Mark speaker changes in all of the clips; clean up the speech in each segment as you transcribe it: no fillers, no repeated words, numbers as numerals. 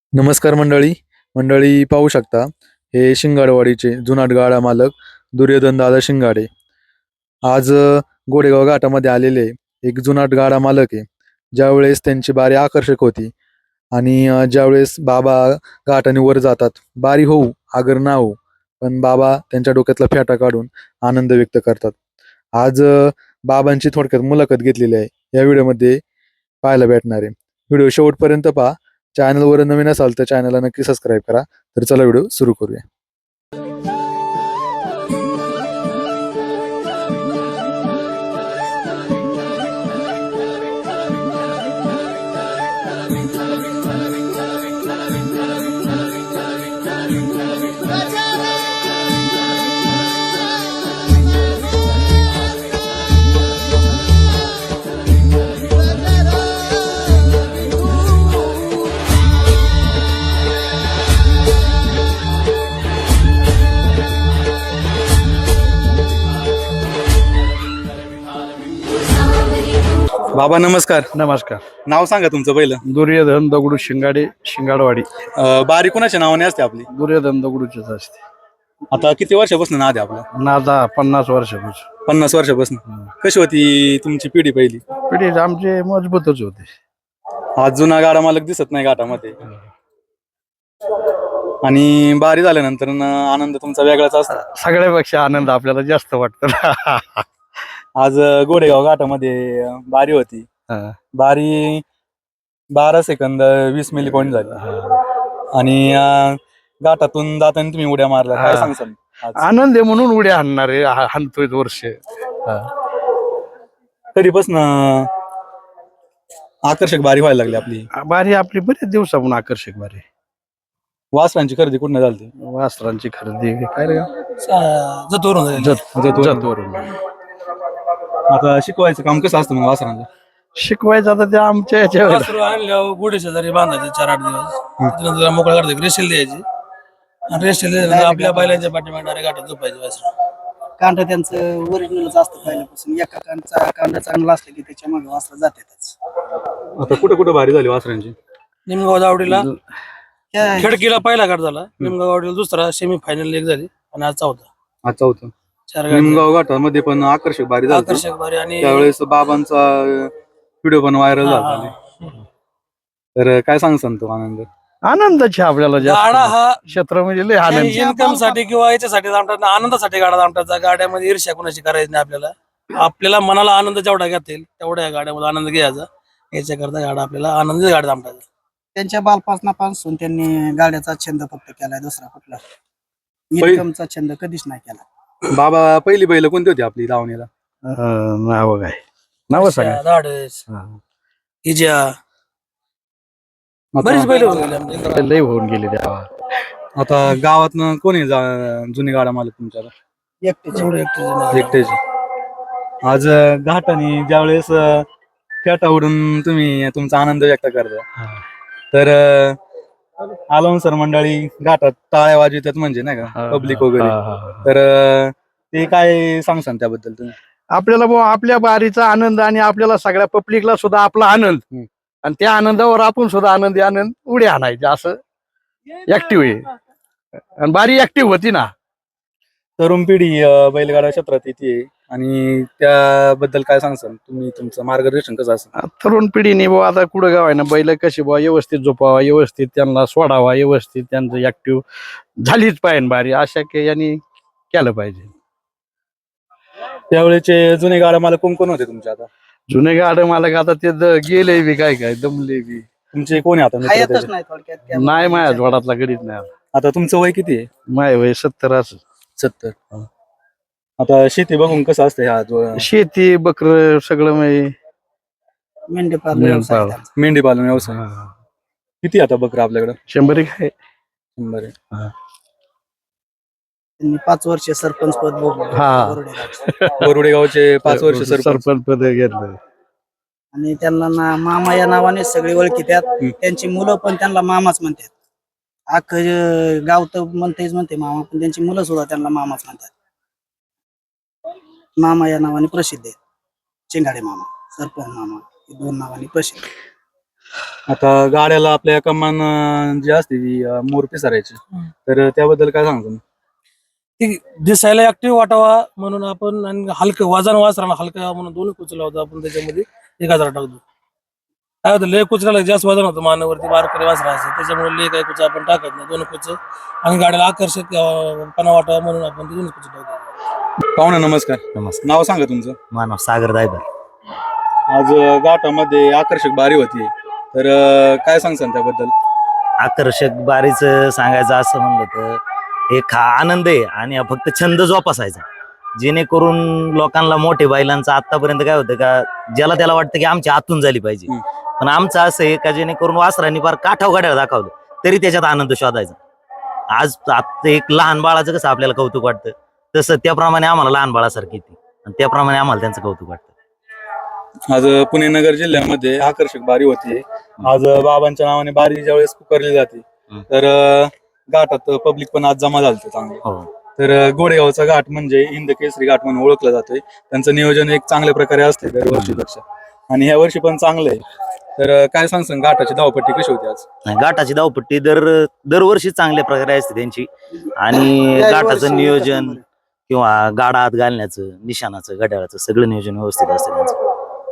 Speaker 1: नमस्कार मंडळी. मंडळी पाहू शकता, हे शिंगाडवाडीचे जुनाट गाडा मालक दुर्योधन दादा शिंगाडे आज गोडेगाव घाटामध्ये आलेले एक जुनाट गाडा मालक आहे. ज्यावेळेस त्यांची बारी आकर्षक होती आणि ज्यावेळेस बाबा घाटाने वर जातात, बारी होऊ अगर ना होऊ, पण बाबा त्यांच्या डोक्यातला फेटा काढून आनंद व्यक्त करतात. आज बाबांची थोडक्यात मुलाखत घेतलेली आहे, या व्हिडिओमध्ये पाहायला भेटणार आहे. व्हिडिओ शेवटपर्यंत पहा. चॅनलवर नवीन असाल तर चॅनलला नक्की सबस्क्राईब करा. तर चला व्हिडिओ सुरू करूया. बाबा नमस्कार.
Speaker 2: नमस्कार.
Speaker 1: नाव सांगा तुमचं पहिलं.
Speaker 2: दुर्योधन दगडू शिंगाडे, शिंगाडवाडी.
Speaker 1: बारी कोणाच्या नावाने असते आपली?
Speaker 2: दुर्योधन दगडूचेच असते.
Speaker 1: आता किती वर्षापासून नाद आहे आपला?
Speaker 2: नादा 50 वर्षापासून.
Speaker 1: 50 वर्षापासून. कशी होती तुमची पिढी पहिली?
Speaker 2: पिढी आमचे मजबूतच होते.
Speaker 1: आज जुना गाडा मालक दिसत नाही घाटामध्ये, आणि बारी झाल्यानंतर आनंद तुमचा वेगळाच असतो.
Speaker 2: सगळ्यापेक्षा आनंद आपल्याला जास्त वाटतो.
Speaker 1: आज गोडेगाव घाटामध्ये बारी होती. बारी 12 सेकंद 20 मिली पॉईंट झाली आणि घाटातून जाताना तुम्ही उड्या मारल्या. काय सांगसाल आज?
Speaker 2: आनंद आहे म्हणून उड्या हाणणारे हाणतोय वर्ष.
Speaker 1: कधीपासून आकर्षक बारी व्हायला लागली आपली?
Speaker 2: बारी आपली बरेच दिवसापासून आकर्षक बारी.
Speaker 1: वासरांची खरेदी कुठं झाली?
Speaker 2: वस्त्रांची खरेदी काय रे?
Speaker 1: जतवरून. आता शिकवायचं काम कसं असतं मग वासरांचं?
Speaker 2: शिकवायचं आता ते आमच्या याच्यावर.
Speaker 3: वासरू आणल्यावर गुढी शेजारी बांधायचे 4-8 दिवस. त्यानंतर मोकळा करते, रेशेल द्यायची आणि रेशेल दिल्यानंतर आपल्या बैलांच्या पाठीमागे डायरेक्ट घाटात झोपायचे वासरू.
Speaker 4: कांड त्यांचं ओरिजिनलच असतं पहिल्यापासून. एका कांड चांगला असलं की त्याच्या मागे वासरा जातातच.
Speaker 1: आता कुठं कुठं बारी झाली वासरांची?
Speaker 3: निमगाव दावडीला खडकीला पहिला घाट झाला, निमगाव दावडीला दुसरा, सेमी फायनल एक झाली आणि आज चौथा.
Speaker 1: आज चौथं.
Speaker 3: 4 गाडी
Speaker 1: निमगाव घाटामध्ये पण आकर्षक बारी झाली.
Speaker 3: आकर्षक बारी आणि
Speaker 1: त्यावेळेस बाबांचा व्हिडिओ पण व्हायरल झाला. तर काय सांगसान तो आनंद?
Speaker 2: आनंदाची आपल्याला
Speaker 3: गाडा
Speaker 2: जास्त
Speaker 3: हा
Speaker 2: क्षेत्र म्हणजे लय आनंद.
Speaker 3: इन्कम साठी किंवा याच्यासाठी आमचा आनंदासाठी गाडा आमचा. गाड्यामध्ये ईर्ष्या कोणाची करायची नाही आपल्याला. आपल्याला मनाला आनंद जेवढा घेता येईल तेवढ्या या गाड्यामध्ये आनंद घ्यायचा. याच्याकरता गाडा आपल्याला आनंदी गाडा आमचा.
Speaker 4: त्यांच्या बालपणापासून त्यांनी गाड्याचा छंद फक्त केलाय, दुसरा कुठला इन्कमचा छंद कधीच नाही केला.
Speaker 1: बाबा पहिली बैल कोणती होती आपली दावणीला?
Speaker 2: नाव काय? नाव सांगा.
Speaker 3: धाडस, इजा, बरीच बैल
Speaker 2: लय होऊन गेले तेव्हा.
Speaker 1: आता गावातनं कोणी जुनी गाडा मालक तुमच्याला? एकटेच. आज घाटाने ज्यावेळेस फेटा उडून तुम्ही तुमचा आनंद व्यक्त करता, तर आलाउन्सर मंडळी घाटात टाळ्या वाजवतात म्हणजे नाही का, पब्लिक वगैरे. तर ते काय सांगसान त्याबद्दल तुम्ही?
Speaker 2: आपल्याला आपल्या बारीचा आनंद आणि आपल्याला सगळ्या पब्लिकला सुद्धा आपला आनंद, आणि त्या आनंदावर आपण सुद्धा आनंद उड्या आणायचे, असं ऍक्टिव्ह आहे. आणि बारी ऍक्टिव्ह होती ना.
Speaker 1: तरुण पिढी बैलगाडा क्षेत्रात येते, आणि त्याबद्दल काय सांगसान तुम्ही? तुमचं मार्गदर्शन कसं असतं?
Speaker 2: तरुण पिढीने आता कुठं गाव आहे ना, बैल कशी व्यवस्थित झोपावा, व्यवस्थित त्यांना सोडावा, व्यवस्थित त्यांचं ऍक्टिव्ह झालीच पाहिजे बारी, अशा यांनी केलं पाहिजे.
Speaker 1: त्यावेळेचे जुने गाडा मालक कोण कोण होते तुमचे? आता
Speaker 2: जुने गाड मालक आता ते गेले बी, काय दमले बी.
Speaker 1: तुमचे कोण आहे आता मित्र
Speaker 4: खायतच
Speaker 1: त्याचे?
Speaker 4: नाही थोडक्यात.
Speaker 2: नाही माझ्या जोडातला गडीत नाही.
Speaker 1: आता तुमचं वय किती आहे?
Speaker 2: माय वय 70 असं.
Speaker 1: 70. आता शेती बघून कसं असतं ह्या
Speaker 2: शेती बकर सगळं
Speaker 4: मेंढी पालन व्यवसाय आहे त्यांचा.
Speaker 1: मेंढी पालन व्यवसाय? किती आता बकरा आपल्याकडे?
Speaker 2: 100 आहे.
Speaker 1: 100 आहे.
Speaker 4: त्यांनी 5 वर्ष सरपंच पद भोगलं.
Speaker 2: हा.
Speaker 1: बोरुडे गावचे 5 वर्ष
Speaker 2: सरपंच पद घेतलं.
Speaker 4: आणि त्यांना मामा या नावाने सगळे ओळखीतात. त्यांची मुलं पण त्यांना मामाच म्हणतात. गाव तर म्हणते मामा, पण त्यांची मुलं सुद्धा त्यांना मामाच म्हणतात. मामा या नावाने प्रसिद्ध आहेत. चिंगाडे मामा, सरपंच मामा, हे 2 नावाने प्रसिद्ध.
Speaker 1: आता गाड्याला आपल्या कमान जी असते ती मोर पिसारायची, तर त्याबद्दल काय सांगतो?
Speaker 3: ती दिसायला ऍक्टिव्ह वाटावा म्हणून आपण, आणि हलकं वजन वासराला हलकं म्हणून दोन्ही कुचला होता आपण त्याच्यामध्ये एक हजार टाकतो. काय होतं, लय कुचराला जास्त वजन होतं मानावरती, बारकरी वासरा असतं त्याच्यामुळे लय काही कुच आपण टाकत नाही, दोन कुच, आणि गाड्याला आकर्षक पणा वाटावा म्हणून आपण ते दोन्ही कुच टाकतो.
Speaker 1: पाहुणे नमस्कार.
Speaker 5: नमस्कार.
Speaker 1: नाव सांगा तुमचं.
Speaker 5: मानव सागर दायबर.
Speaker 1: आज घाटामध्ये आकर्षक बारी होती, तर काय सांगसान त्याबद्दल?
Speaker 5: आकर्षक बारीच सांगायचं असं म्हणलं तर एक हा आनंद आहे आणि हा फक्त छंद जोपासायचा, जेणेकरून लोकांना मोठे बैलांचं आतापर्यंत काय होतं का, ज्याला त्याला वाटतं की आमच्या आतून झाली पाहिजे, पण आमचं असं आहे का जेणेकरून वासरांनी फार काठाव गाड्याला दाखवलं तरी त्याच्यात आनंद शोधायचा. आज आता एक लहान बाळाचं कसं आपल्याला कौतुक वाटतं, तसं त्याप्रमाणे आम्हाला लहान बाळासारखी ती, आणि त्याप्रमाणे आम्हाला त्यांचं कौतुक वाटतं.
Speaker 1: आज पुणे नगर जिल्ह्यामध्ये आकर्षक बारी होती. आज बाबांच्या नावाने बारी ज्यावेळेस पुकारली जाते, तर घाटात पब्लिक पण आज जमा झालं चांगलं.
Speaker 5: हो.
Speaker 1: तर गोडेगावचा घाट म्हणजे हिंद केसरी घाट म्हणून ओळखला जातोय. त्यांचं नियोजन एक चांगल्या प्रकारे असते दरवर्षीपेक्षा, आणि ह्या वर्षी पण चांगलं आहे. तर काय सांगसान घाटाची धावपट्टी कशी होती आज?
Speaker 5: नाही, घाटाची धावपट्टी दरवर्षी चांगल्या प्रकारे असते त्यांची, आणि घाटाचं नियोजन किंवा गाडा आत घालण्याचं, निशाणाचं, घड्याळाचं सगळं नियोजन व्यवस्थित असतं त्यांचं.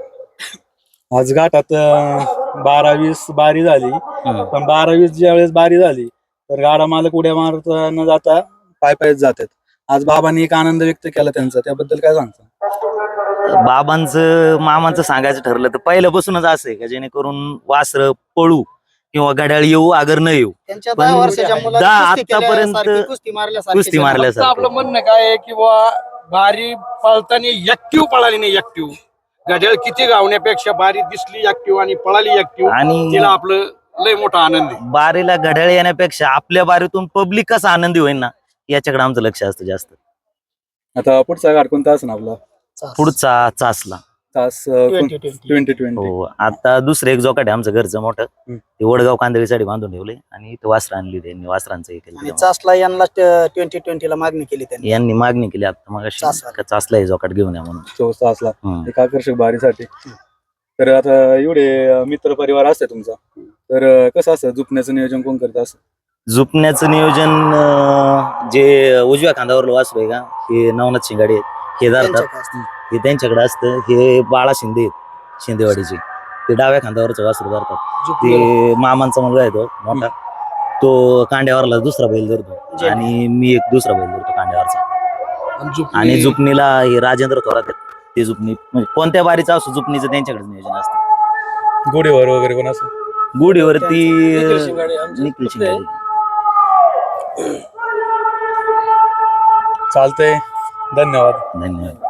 Speaker 1: आज घाटात 12-20 बारी झाली, पण 12-20 ज्या वेळेस बारी झाली तर गाडा मालक उड्या मारत न जाता पायच जातात. आज बाबांनी एक आनंद व्यक्त केला त्यांचा, त्याबद्दल काय सांगता?
Speaker 5: बाबांचं मामांचं सांगायचं ठरलं तर पहिल्यापासूनच असं आहे का, जेणेकरून वासर पळू किंवा घड्याळ येऊ अगर न येऊ,
Speaker 4: त्यांच्या
Speaker 5: पण
Speaker 4: 10 वर्षाच्या मुलाला
Speaker 5: आतापर्यंत
Speaker 4: कुस्ती मारल्यासारखी
Speaker 5: कुस्ती
Speaker 2: फक्त
Speaker 5: मारल्यासारखं.
Speaker 2: आपलं म्हणणं काय आहे की बारी पळताना ऍक्टिव्ह पळाली नाही, ऍक्टिव्ह घड्याळ किती गावण्यापेक्षा बारी दिसली ऍक्टिव्ह आणि पळाली ऍक्टिव्ह,
Speaker 5: आणि
Speaker 2: तिला आपलं लय मोठा आनंद आहे.
Speaker 5: बारीला घड्याळ येण्यापेक्षा आपल्या बारीतून पब्लिक कसं आनंदी होईल ना, याच्याकडे आमचं लक्ष असतं जास्त.
Speaker 1: आता पुढचा घाट कोणता असं आपला?
Speaker 5: पुढचा चासला.
Speaker 1: तास
Speaker 2: 2020.
Speaker 1: 2020.
Speaker 5: हो, आता दुसरं एक जोकाट आहे आमचं घरचं मोठं, ते वडगाव कांदळीसाठी बांधून ठेवले, आणि इथं वासरं आणली त्यांनी, वासरांचं हे
Speaker 4: आणि
Speaker 5: केलं.
Speaker 4: चासला यांना 2020 ला मागणी केली त्यांनी.
Speaker 5: यांनी मागणी केली आता मग
Speaker 4: चासला.
Speaker 5: चासला हे जोकाट घेऊन या म्हणून.
Speaker 1: 24 तासला
Speaker 5: हम्म.
Speaker 1: एक आकर्षक बारीसाठी. तर आता एवढे मित्र परिवार असते तुमचा, तर कसं असतं झुपण्याचं नियोजन कोण करत असं?
Speaker 5: झुपण्याचं नियोजन जे उजव्या खांद्यावर वासरू आहे का, हे नवनाथ शिंगाडे आहेत, हे धरतात,
Speaker 4: त्यांच्याकडे असतं.
Speaker 5: हे त्यांच्याकडे असतं. हे बाळा शिंदे आहेत शिंदेवाडीचे, ते डाव्या खांद्यावरचं वासरू धरतात. ते मामांचा मुलगा आहे तो मोठा, तो कांड्यावरला दुसरा बैल धरतो, आणि मी एक दुसरा बैल धरतो कांड्यावरचा. आणि झुपणीला हे राजेंद्र थोरात आहेत, ते झुपणी म्हणजे कोणत्या बारीचं असो झुपणीचं त्यांच्याकडे नियोजन असतं.
Speaker 1: गोडीवर वगैरे पण असं?
Speaker 5: गुढीवरती
Speaker 3: निखिल शिंगाडे आमचे
Speaker 5: निखिल
Speaker 3: पुतणे आहे.
Speaker 5: शिंगाडे.
Speaker 1: चालतंय. धन्यवाद.
Speaker 5: धन्यवाद.